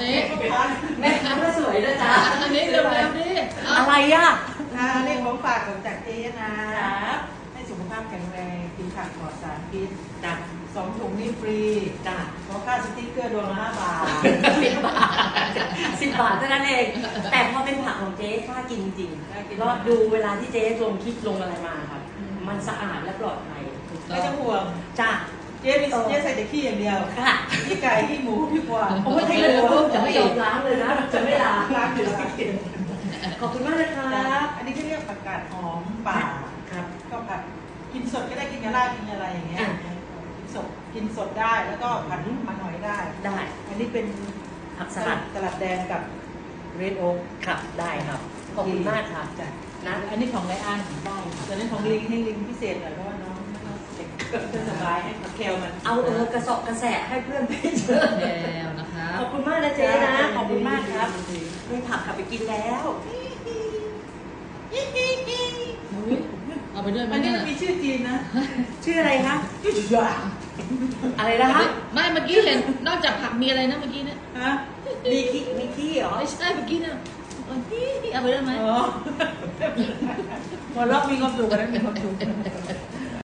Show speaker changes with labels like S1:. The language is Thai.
S1: นี้
S2: แม่ค้าก็สวยนะจ๊ะ
S1: อันนี้เร็วๆดิ
S2: อะไรอ่ะ
S3: นี่ของฝากจากเจ๊นะให้สุขภาพแข็งแรงกินผักปลอดสารพิษ
S2: จ้ะ
S3: 2 ถุงนี่ฟรี
S2: จ้ะ
S3: เพราะค่าสติ๊กเกอร์ดวงละ5 บาท
S2: 10 บาท10 บาทเท่านั้นเองแต่พอเป็นผักของเจ๊กล้ากินจริงรอดดูเวลาที่เจ๊ลงคลิปลงอะไรมาครับมันสะอาดและปลอดภัย
S3: ไม่ต้องห่วง
S2: จ้ะ
S3: เจ๊ใส่แต่ขี้อย่างเดียว
S2: ค่ะ
S3: ขี้ไก่ขี้หมูขี้กวาง
S2: ผมไม่ใช่เลยจะไม่ยอมล้างเลยนะจะไม่ล้าง
S3: อยู่
S2: ขอบคุณมากนะครับ
S3: อันนี้เขาเรียกผักกาดหอมป่า
S2: ครับ
S3: ก็ผัดกินสดก็ได้กินกระลากินอะไรอย่างเงี้ยกินสดได้แล้วก็ผัดมาหน่อยได้อันนี้เป็น
S2: ผักส
S3: ลัดแดงกับเรดโอ๊ก
S2: ครับได้ครับขอบคุณมากครับ
S3: จ้ะ
S2: นะ
S3: อันนี้ของไรอันได้แต่นี้ของลิงให้ลิงพิเศษหน่อยเพราะว่าน้องเด็กก็สบายให้ผักแคลมัน
S2: เอากระสอบกระแสให้เพื่อนไปเยอะ
S1: แล้วนะคะ
S2: ขอบคุณมากนะเจ๊นะขอบคุณมากครับมีผักกลับไปกินแล้ว
S1: เอาไปด้วยไหม
S3: อันนี้
S1: เนี่ย
S3: มีชื่อจีนนะ
S2: ชื่ออะไรคะ
S3: ชื่อหยา
S2: อะไรนะคะ
S1: ไม่เมื่อกี้เห็นนอกจากผักมีอะไรนะเมื่อกี้เนี่ย
S3: ฮะ
S2: มีขี้เหรอ
S1: ไม่ใช่เมื่อกี้เนี่ยเอาไปด้วยไหม
S3: หัวเราะมีความสุขกันนะมีความสุข